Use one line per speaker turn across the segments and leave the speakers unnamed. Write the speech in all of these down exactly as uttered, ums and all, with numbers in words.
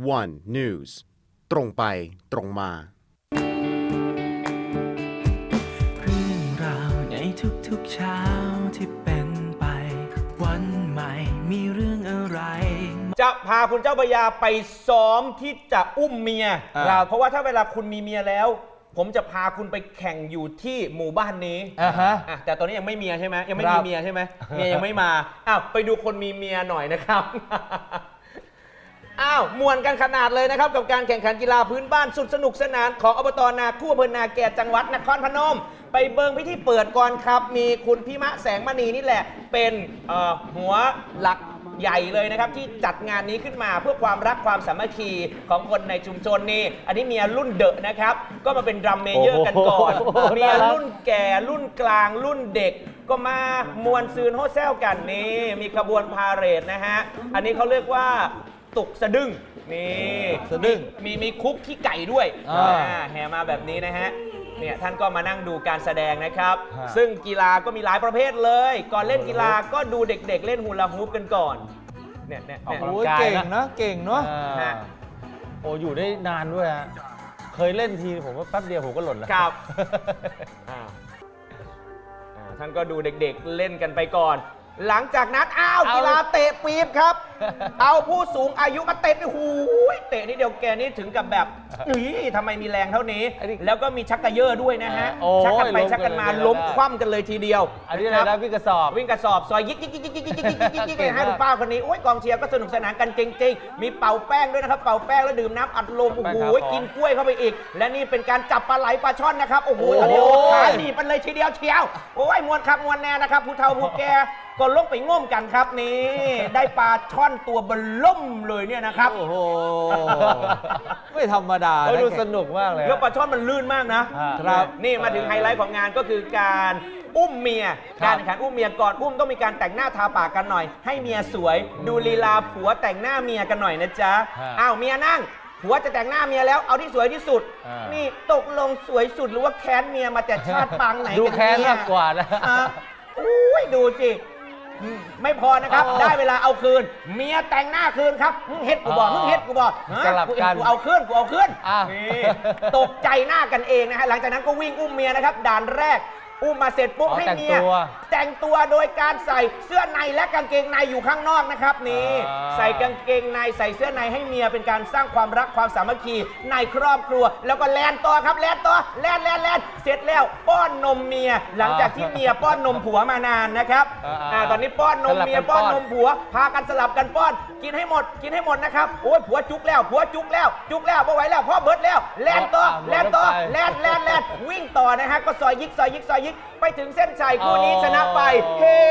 one News ตรงไปตรงมา
เรื่องราวในทุกๆเช้าที่เป็นไปวันใหม่มีเรื่องอะไร
จะพาคุณเจ้าพระยาไปซ้อมที่จะอุ้มเมียเพราะว่าถ้าเวลาคุณมีเมียแล้วผมจะพาคุณไปแข่งอยู่ที่หมู่บ้านนี้อ่าฮะแต่ตอนนี้ยังไม่เมียใช่ไหมยังไม่มีเมียใช่ไหมเมียยังไม่มาอ้าวไปดูคนมีเมียหน่อยนะครับอ้าวมวนกันขนาดเลยนะครับกับการแข่งขันกีฬาพื้นบ้านสุดสนุกสนานของอบต.นาคู่อำเภอนาแกจังหวัดนครพนมไปเบิงพิธีเปิดก่อนครับมีคุณพิมะแสงมณีนี่แหละเป็นหัวหลักใหญ่เลยนะครับที่จัดงานนี้ขึ้นมาเพื่อความรักความสามัคคีของคนในชุมชนนี่อันนี้เมียรุ่นเดอะนะครับก็มาเป็นดรัมเมเยอร์กันก่อนเมียรุ่นแก่รุ่นกลางรุ่นเด็กก็มามวนซืนโฮเซลกันนี่มีขบวนพาเหรดนะฮะอันนี้เขาเรียกว่าตุกสะดึ้งนี่สะดึ้งมีมีคุกขี้ไก่ด้วยแห่มาแบบนี้นะฮะเนี่ยท่านก็มานั่งดูการแสดงนะครับซึ่งกีฬาก็มีหลายประเภทเลยก่อนเล่นกีฬาก็ดูเด็กๆเล่นฮูลาฮูปกันก่อนเนี่ยเนี่ยโอ้
ยเก่งนะเก่งเนาะโอ้อยู่ได้นานด้วยฮะเคยเล่นทีผมว่าแป๊บเดียวผมก็หล่นแล้ว
ครับท่านก็ดูเด็กๆเล่นกันไปก่อนหลังจากนั้นอ้าวกีฬาเตะปี๊บครับเอาผู้สูงอายุมาเตะหูยเตะนี่เดียวแกนี่ถึงกับแบบนี่ทำไมมีแรงเท่านี้แล้วก็มีชักกระเยอะด้วยนะฮะชักกันไปชักกันมาล้มคว่ำกันเลยทีเดียว
อันนี้อะไรนะวิ่งกระสอบ
วิ่งกระสอบซอยยิกยิกยิกยิกยิกยิกยิกยิกยิกยิกให้ดูป้าคนนี้โอ้ยกองเชียร์ก็สนุกสนานกันจริงๆมีเป่าแป้งด้วยนะครับเป่าแป้งแล้วดื่มน้ำอัดลมโอ้โหกินกล้วยเข้าไปอีกและนี่เป็นการจับปลาไหลปลาช่อนนะครับโอ้โหตอนนี้ขาหนีบมันเลยทีเดียวเชียวโอ้ยมวนครับมวนแน่นะครับผู้เฒ่าผู้แก่ก็ลงไปง่มกันครับนี่ได้ปลาช่อนตัวบล่มเลยเนี่ยนะครับ
โอ้โหไม่ธรรมดาดูสนุกมากเลย
แล้วปลาช่อนมันลื่นมากนะครับนี่มาถึงไฮไลท์ของงานก็คือการอุ้มเมียการแข่งขันอุ้มเมียก่อนอุ้มต้องมีการแต่งหน้าทาปากกันหน่อยให้เมียสวยดูลีลาผัวแต่งหน้าเมียกันหน่อยนะจ๊ะอ้าวเมียนั่งผัวจะแต่งหน้าเมียแล้วเอาที่สวยที่สุดนี่ตกลงสวยสุดหรือว่าแค้นเมียมาแต่ชาติปางไหนกันเนี่ย
ดูแค้นมากกว่านะ
อุ้ยดูสิไม่พอนะครับได้เวลาเอาคืนเมียแต่งหน้าคืนครับมึงเฮ็ดกูบอกมึงเฮ็ดกูบอก
สลับกัน
กูเอาคืนกูเอาคืนนี่ตกใจหน้ากันเองนะฮะหลังจากนั้นก็วิ่งอุ้มเมียนะครับด่านแรกอุ้มมาเสร็จปุ๊บให้เมียแต่งตัวโดยการใส่เสื้อในและกางเกงในอยู่ข้างนอกนะครับนี่ใส่กางเกงในใส่เสื้อในให้เมียเป็นการสร้างความรักความสามัคคีในครอบครัวแล้วก็แลนตัวครับแลนตัวแลนแลนแลนเสร็จแล้วป้อนนมเมียหลังจากที่เมียป้อนนมผัวมานานนะครับอ่าตอนนี้ป้อนนมเมียป้อนนมผัวพากันสลับกันป้อนกินให้หมดกินให้หมดนะครับโอ้ยผัวจุกแล้วผัวจุกแล้วจุกแล้วพอไหวแล้วพ่อเบิร์ดแล้วแลนตัวแลนตัวแลนแลนแลนวิ่งต่อนะฮะก็ซอยยิกซอยยิกซอยยิกไปถึงเส้นชัยคู่นี้ชนะไปเฮ้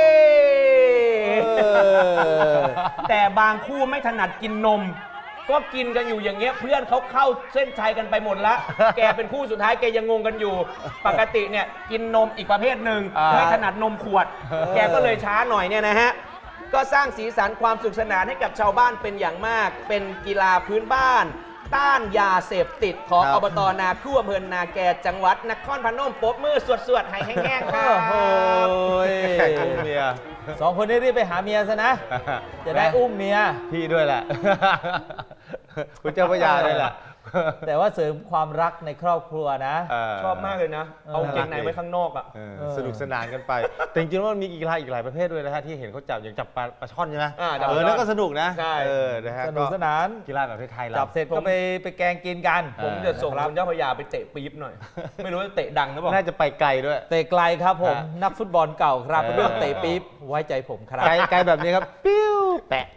แต่บางคู่ไม่ถนัดกินนมก็กินกันอยู่อย่างเงี้ยเพื่อนเขาเข้าเส้นชัยกันไปหมดละแกเป็นคู่สุดท้ายแกยังงงกันอยู่ปกติเนี่ยกินนมอีกประเภทหนึ่งไม่ถนัดนมขวดแกก็เลยช้าหน่อยเนี่ยนะฮะก็สร้างสีสันความสุขสนานให้กับชาวบ้านเป็นอย่างมากเป็นกีฬาพื้นบ้านต้านยาเสพติดของอบต.นาคู่อำเภอนาแกจังหวัดนครพนมปรบมือสวดๆให้แห้งๆครับ
โอ้ยเมียสองคนนี้รีบไปหาเมียซะนะจะได้อุ้มเมียพี่ด้วยแหละคุณเจ้าพระยาด้วยแหละแต่ว่าเสริมความรักในครอบครัวนะ
ชอบมากเลยนะเอาเกงในไว้ข้างนอกอ่ะ
สนุกสนานกันไปแต่จริงๆว่ามีกีฬาอีกหลายประเภทด้วยนะฮะที่เห็นเขาจับอย่างจับปลาปลาช่อนใช่ไหมเออนั่นก็สนุกนะเออนะฮะสนุกสนานกีฬาแบบไทยๆจับเสร็จก็ไปไปแกงกินกัน
ผมจะส่งคุณเจ้าพระยาไปเตะปี๊บหน่อยไม่รู้จะเตะดังหรือเปล่า
น่าจะไปไกลด้วย
เตะไกลครับผมนักฟุตบอลเก่าครับเรื่องเตะปี๊บไว้ใจผมครับ
ไกลแบบนี้ครับปิ้วแปะ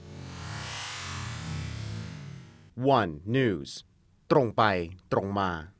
one News ตรงไปตรงมา